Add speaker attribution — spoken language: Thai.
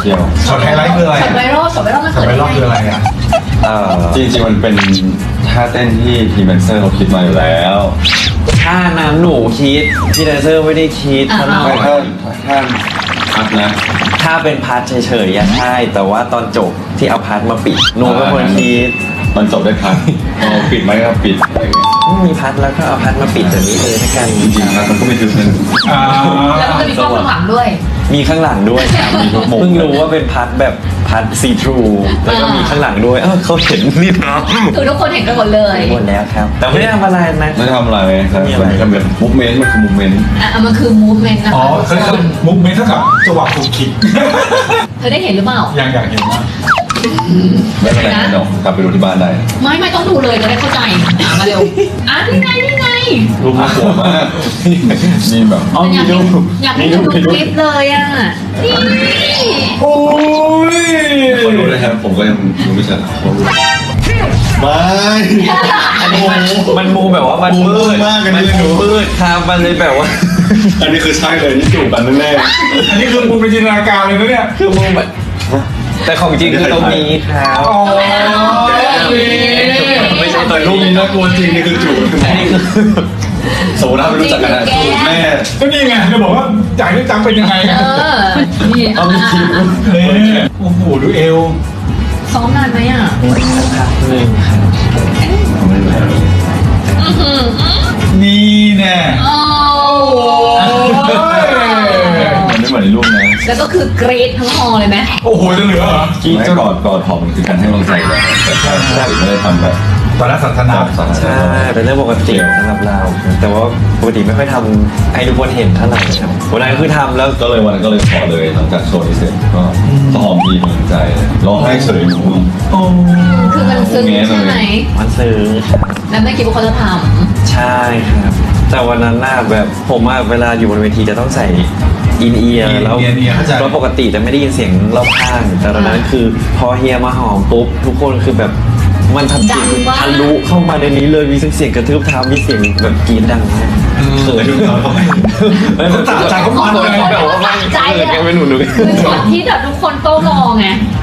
Speaker 1: ที่ยว
Speaker 2: ช็อตไฮไลท์คืออะไร
Speaker 3: ช็อตไวรัลช็อตไวรัลมัน
Speaker 2: ช็อ
Speaker 3: เกิ
Speaker 2: ต
Speaker 3: ด
Speaker 2: ไวรัลคืออะไรอ่ะ
Speaker 1: จริงๆมันเป็นท่าเต้นที่ทีมแดนเซอร์เขาคิดมาอยู่แล้ว
Speaker 4: ถ้านั้นหนูคิดพี่แดนเซอร์ไม่ได้คิดซะหน่อ
Speaker 1: ไม่
Speaker 4: ย
Speaker 1: ถ้าพักนะ
Speaker 4: ถ้าเป็นพาร์ทเฉยๆอะใช่แต่ว่าตอนจบที่เอาพาร์ทมาปิดหนูเป็นคนคิด
Speaker 1: มันจบได้พักปิดไหมครับปิด
Speaker 4: มีพาร์ทแล้วก็เอาพาร์ทมาปิดแบบนี้เลยละกัน
Speaker 1: จริงๆพักมันก็ไม่ถึงนึง
Speaker 2: อ่า
Speaker 3: แล้วมันจะมีกล้องข้างหลังด้วย
Speaker 4: มีข้างหลังด้วยครับมีทุกมุมเพิ่งรู้ว่าเป็นพาร์ทแบบพาร์ทซีทรูแล้วก็มีข้างหลังด้วยเขาเห็นนี่นะ
Speaker 3: คือทุกคนเห็นกันหมดเลย
Speaker 4: หมดแล้วครับ แต่ไม่ได้ทำอะไรนะ
Speaker 1: ไม่ได้ทำอะไรครับ
Speaker 4: ไม่มีอะไร
Speaker 1: มันเป็นมูฟเมนต์มันคือมูฟเมนต์
Speaker 3: อ่ะมันคือมูฟเมนต์นะ
Speaker 2: อ๋อ
Speaker 3: คะ
Speaker 2: เขามุกเมนเท่ากับจังหวะถูกคิด
Speaker 3: เธอได้เห็นหรือเปล่า
Speaker 2: อย่างอยากเห็นว่า
Speaker 1: ไม่เป็นไรนะเดี๋ยวกลับไปดูที่บ้านได้
Speaker 3: ไม่ต้องดูเลยจะได้เข้าใจมาเร็วนี่ไง
Speaker 1: รูปน่ากลัวมากมีแบบ
Speaker 3: อยากเห็นดูคลิปเลยอ่ะนี่
Speaker 2: โอ้ย
Speaker 1: คนรู้เลยครับผมก็ยังดูไม่ชัดไม่
Speaker 4: อันนี้มันมูแบบว่ามันมืด
Speaker 1: มากเลย
Speaker 4: มัน
Speaker 1: นี่หนู
Speaker 4: มืดครับมันเลยแบบว่า
Speaker 1: อันนี้คือใช่เลยนี่จูบกันแน่
Speaker 2: อันนี้คือมุกเป็นจินตนาการเลยนะเนี่ย
Speaker 4: คือมูแบบแต่ของจริงคือตรงนี้ครับ
Speaker 2: อ๋อ
Speaker 4: ไม่ใช่ตัว
Speaker 1: ๆรู
Speaker 4: รู
Speaker 1: ป
Speaker 4: ป
Speaker 1: นี้น่ากลัวจริงนี่คือจูบ
Speaker 4: อันนี้คือ
Speaker 1: สมมติถ้าไม่รู้จักกันนะจูบแม่
Speaker 2: ก็นี่ไงจะบอกว่าอยากได้จังเป็นยังไง
Speaker 3: นี่
Speaker 4: เอามีคลิป
Speaker 2: เนี่ยโอ้โหดูเอว
Speaker 3: ซ้อมนานไหมอ่ะ
Speaker 4: พักหนึ่งครับ
Speaker 2: นี่แน่
Speaker 3: โอ้
Speaker 1: มันไม่เหมือนในรูปนะ
Speaker 3: แล้วก็คือกรีดทั้งฮอเลยไหม
Speaker 2: โอ้โหจะเหลือเหรอ
Speaker 1: ไม่กอดหอมมันคือการให้กำลังใจกันแต่ถ้าไม่ได้ทำแบบ
Speaker 2: ตอนนั้นสันทนา
Speaker 4: ใช่เป็นเรื่องปกติสำหรับเรา แต่ว่าปกติไม่ค่อยทำให้ทุกคนเห็นเท่าไหร่ครับวันนั้นคือทำแล้ว
Speaker 1: ก็เลยวันนั้นก็เลยขอเลยหลังจากโชว์นี้เสร็จก็หอมทีมีใจร้องไห้เฉยหนู
Speaker 2: โอ้
Speaker 3: คือมันซึ้งใช่ไหม
Speaker 4: มันซื้อครับ
Speaker 3: แล้วไม่คิดว่าเขาจะท
Speaker 4: ใช่ครับ แต่วันนั้นน่าแบบผมอะเวลาอยู่บนเวทีจะต้องใส่อินเอียร์แล้วปกติจะไม่ได้ยินเสียงรอบข้าง แต่ตอนนั้นคือพอเฮียมาหอมปุ๊บทุกคนคือแบบมันทำเสียงทะลุเข้ามาในนี้เลยมีเสียงกระทืบเท้ามีเสียงแบบกรี๊ดดังมากเขิน
Speaker 2: เขาตัดใจเขามันเลย
Speaker 4: แบบว่ามันเขินกันไม่หนู
Speaker 3: ำคือช็อตที่แบบทุกคนโต้รอไง